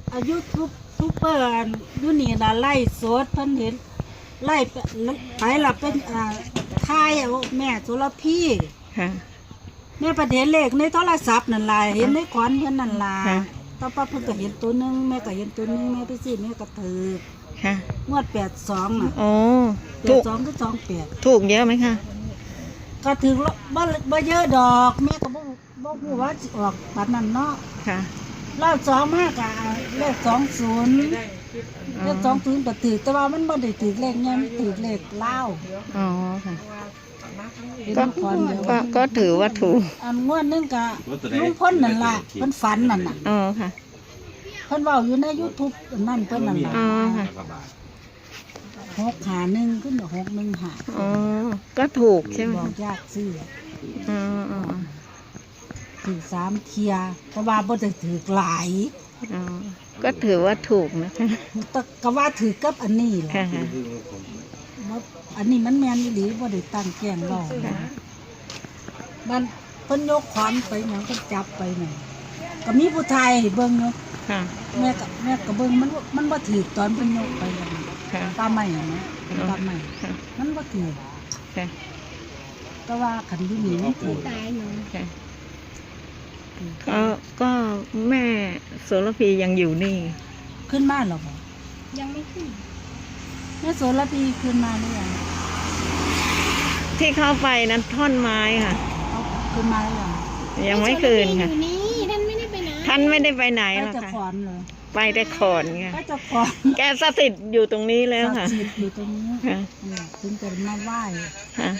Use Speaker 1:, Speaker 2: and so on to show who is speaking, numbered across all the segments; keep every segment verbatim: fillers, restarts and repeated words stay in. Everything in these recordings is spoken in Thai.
Speaker 1: อายุทุบทุบเปิดยุนี่นะไล่สดเพิ่นเห็นไล่ไปไปหลับเป็นอ่าทายเอาแม่สุรพี
Speaker 2: ค่ะ
Speaker 1: แม่ประเด็นเลขในโทรศัพท์นั่นล่ะเห็นในขอนเพิ่นนั่นล่ะ
Speaker 2: ค่ะ
Speaker 1: ต่อไปเพิ่นก็เห็นตัวหนึงแม่ก็เห็นตัวหนึงแม่ไปซื้อแม่ก็ถือ
Speaker 2: ค่ะ
Speaker 1: งวดแปดสองน่ะ
Speaker 2: โอ้
Speaker 1: แป
Speaker 2: ถู
Speaker 1: ด
Speaker 2: ก
Speaker 1: สองก็สองแปด
Speaker 2: ถูกเยอะไหมคะ
Speaker 1: ก็ถือบ่บ่เยอะดอกแม่ก็บ่บ่ฮู้ว่าสิออกปานนั้นเนาะ
Speaker 2: ค่ะ
Speaker 1: รอบสองมากอะเลขสองศูนย์เลขสองศูนย์ก็ถือแต่ว่ามันไม่ได้ถือเลขเงี้ยมันถือเลขเล่า
Speaker 2: อ๋อค่ะ
Speaker 1: เป็น
Speaker 2: ก็
Speaker 1: ลูกคอนเดียว
Speaker 2: ก็ก็ถือว่าถูก
Speaker 1: อันงวดนึงกะลุงพ้นนั่นล่ะเพิ่นฝันนั่นน่ะ
Speaker 2: อ๋อค่ะ
Speaker 1: เพิ่นเว้าอยู่ใน YouTube นั่นเพิ่นนั่นล่ะ
Speaker 2: อ๋อค่ะ
Speaker 1: หกหาหนึ่งขึ้นหกหนึ่งหา
Speaker 2: อ๋อก็ถูกใช่ไหม
Speaker 1: บอก
Speaker 2: คะ
Speaker 1: ยากซื้อ
Speaker 2: อ๋ออ๋อ
Speaker 1: ถือสามเทียแต่ว่าบ่ได้ถือหลาย
Speaker 2: อ๋อก็ถือว่าถูกนะคะ
Speaker 1: แต่ก็ว่าถือกับอันนี้แหละ
Speaker 2: ค่ะค่ะ
Speaker 1: ว่าอันนี้มันแม่นอีหลีบ่ได้ตั้งแกล้งเว้า
Speaker 2: ค่ะ
Speaker 1: มันเพิ่นยกขวานไปหยังเพิ่นจับไปนั่นก็มีผู้ชายให้เบิ่งอยู่
Speaker 2: ค่ะ
Speaker 1: แม่ก็แม่ก็เบิ่งมันบ่มันบ่ถือตอนเพิ่นยกไปนั่น
Speaker 2: ค่ะ
Speaker 1: ปลาใหม่นะปลาใหม่
Speaker 2: ค่ะ
Speaker 1: มันบ่ถือ
Speaker 2: ค่ะ
Speaker 1: แต่ว่าคันอยู่นี่มันถือ
Speaker 2: ค่ะก็ก็แม่โสระพียังอยู่นี่
Speaker 1: ขึ้นมาแล้วบ่
Speaker 3: ยังไม่ขึ้น
Speaker 1: แม่โสระพีขึ้นมาหรือยัง
Speaker 2: ที่เข้าไปนั้นท่อนไม้ค่ะ
Speaker 1: เอาขึ้นมาหรือยัง
Speaker 2: ยังไม่คืนค่ะ
Speaker 3: อยู่นี่ท่านไม่ได้ไปไหน
Speaker 2: ท่านไม่ได้ไปไหน
Speaker 1: ไป
Speaker 2: หรอก
Speaker 1: จะ
Speaker 2: ค่ะ
Speaker 1: ขอนเลย
Speaker 2: ไปแต่ขอนค่ะ
Speaker 1: ไปจะขอน
Speaker 2: แกสถิตอยู่ตรงนี้แล้วค่ะ
Speaker 1: ศักดิ์สิทธิ์อยู่ตรงนี้
Speaker 2: ค่ะ
Speaker 1: นั่นแหละถึงจะมาไหว้
Speaker 2: ค่ะ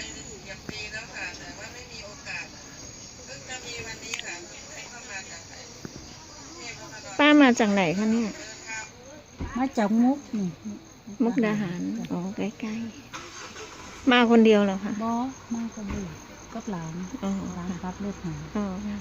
Speaker 2: ป้ามาจากไหนคะเนี่ย
Speaker 1: มาจากมุกนี่
Speaker 2: มุกดาหาร อ๋อ ใกล้ๆ มาคนเดียวเหรอคะ
Speaker 1: บ่มาก็ดูกับหลาน
Speaker 2: อ๋อ
Speaker 1: หลาน
Speaker 2: ค่ะ
Speaker 1: รับรถหา
Speaker 2: อ๋อค่ะ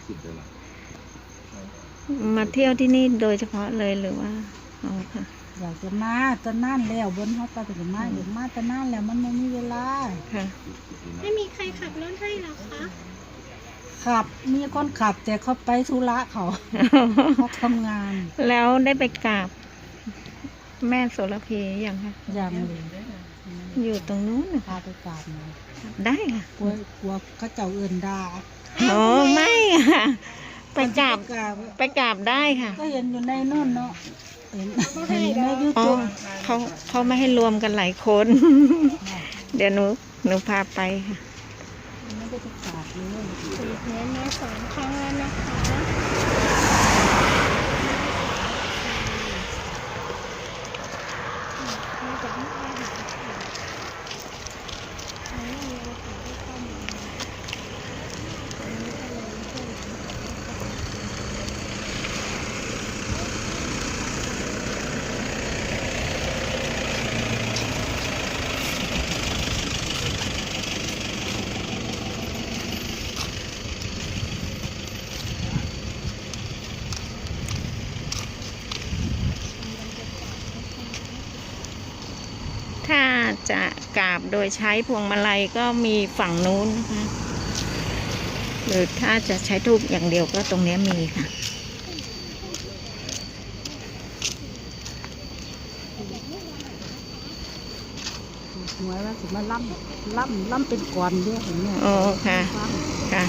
Speaker 2: มาเที่ยวที่นี่โดยเฉพาะเลยหรือว่า อ๋อค่ะ
Speaker 1: อยากจะมาแตะนานแล้วบนเขาไปถึงมาอยากมาแตะนานแล้วมันไม่มีเวลา
Speaker 2: ค่ะ
Speaker 3: ไม่มีใครขับรถให้หรอคะ
Speaker 1: ขับมีคนขับแต่เขาไปธุระเขา เขาทำงาน
Speaker 2: แล้วได้ไปกราบแม่โสระพียังคะ
Speaker 1: อย่างเลย
Speaker 2: อยู่ตรงนู้นน่ะ
Speaker 1: พาไปกราบหน่อย
Speaker 2: ได้ค่ะ
Speaker 1: กลัวกลัวเขาเจ้าเอื่นด่า
Speaker 2: อ๋อ ไม่ค่ะ ไปกราบ
Speaker 1: กราบ
Speaker 2: ไปกราบได้ค่ะ
Speaker 1: ก็เห็นอยู่ในนู่นเนาะเห็นเห็นในยู
Speaker 2: อ๋อ
Speaker 1: ทูบ
Speaker 2: เขาเขาไม่ให้รวมกันหลายคน เดี๋ยวหนูหนูพาไปค่ะ
Speaker 1: ไม่ได้ไปกราบเลย
Speaker 3: ถือเพนมาสองครั้งแล้วนะคะมาจากมุกดาหารค่ะไม่มีโอกาสได้เข้ามาวันนี้ก็เลยช่วยหลานสาว
Speaker 2: ถ้าจะกราบโดยใช้พวงมาลัยก็มีฝั่งนู้นนะคะ หรือถ้าจะใช้ทูบอย่างเดียวก็ตรงนี้มีค่ะ
Speaker 1: หวยว่าสิมาล่ำล่ำล่ำเป็นก่อนเด้อเห็นไหม
Speaker 2: โอ้ค่ะ ค่ะ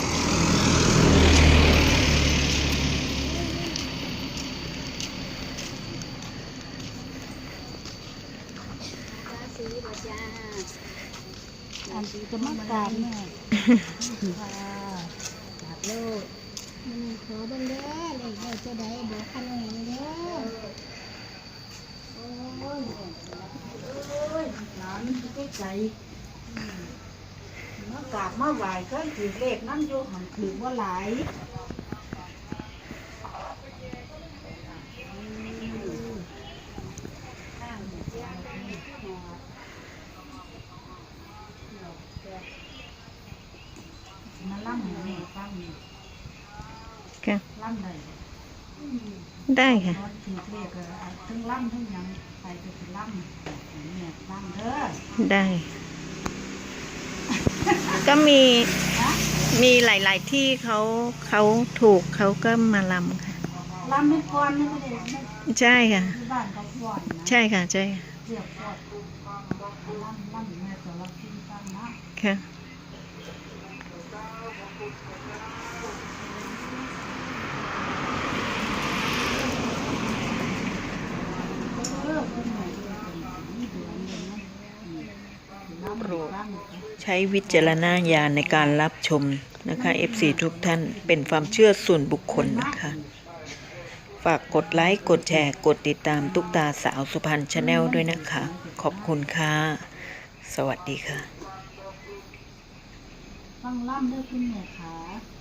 Speaker 1: อันที่จะมากราบเนี่ยค่ะกราบโลก
Speaker 3: มันขอเบังเด้อเลยเราจะได้บอกคันนี้เด้อ
Speaker 1: โอ้ยโอ้ยหลานใกล้ใจมากราบมาไหว้ก็ถือเลขนั่นอยู่หันถือว่าหลายมาล่ำให้ฟัง
Speaker 2: ค่ะ
Speaker 1: ล่ำเลย
Speaker 2: ได้ค่ะ
Speaker 1: นอนถือเลขเลยทั้งล่ำทั้งหยังไปก็คือล่ำเนี่ยล่ำเด้อ
Speaker 2: ได้ ก็มี
Speaker 1: ฮะ
Speaker 2: มีหลาย ๆ ที่เขาเขาถูกเขาก็มาลำค่ะ
Speaker 1: ลลำไม่ก่อนนี่ก็ได้ไม่
Speaker 2: ใช่ค่ะ
Speaker 1: ที่บ้านเขาก่อนนะ
Speaker 2: ใช่ค่ะใช่ค่ะ
Speaker 1: เรียกก่อนลำลำแม่ตัวละกินกันนะ
Speaker 2: ค่ะ
Speaker 1: เออเป็นไงเดือนนี้เดือนนึงนะลำลำ
Speaker 2: ใช้วิจารณญาณในการรับชมนะคะ เอฟ ซี ทุกท่านเป็นความเชื่อส่วนบุคคลนะคะ ฝากกดไลค์ กดแชร์ กดติดตามตุ๊กตาสาวสุพรรณชาแนลด้วยนะคะ ขอบคุณค่ะ สวัสดีค่ะ
Speaker 1: ฟังล่ำด้วยคุณแม่ขา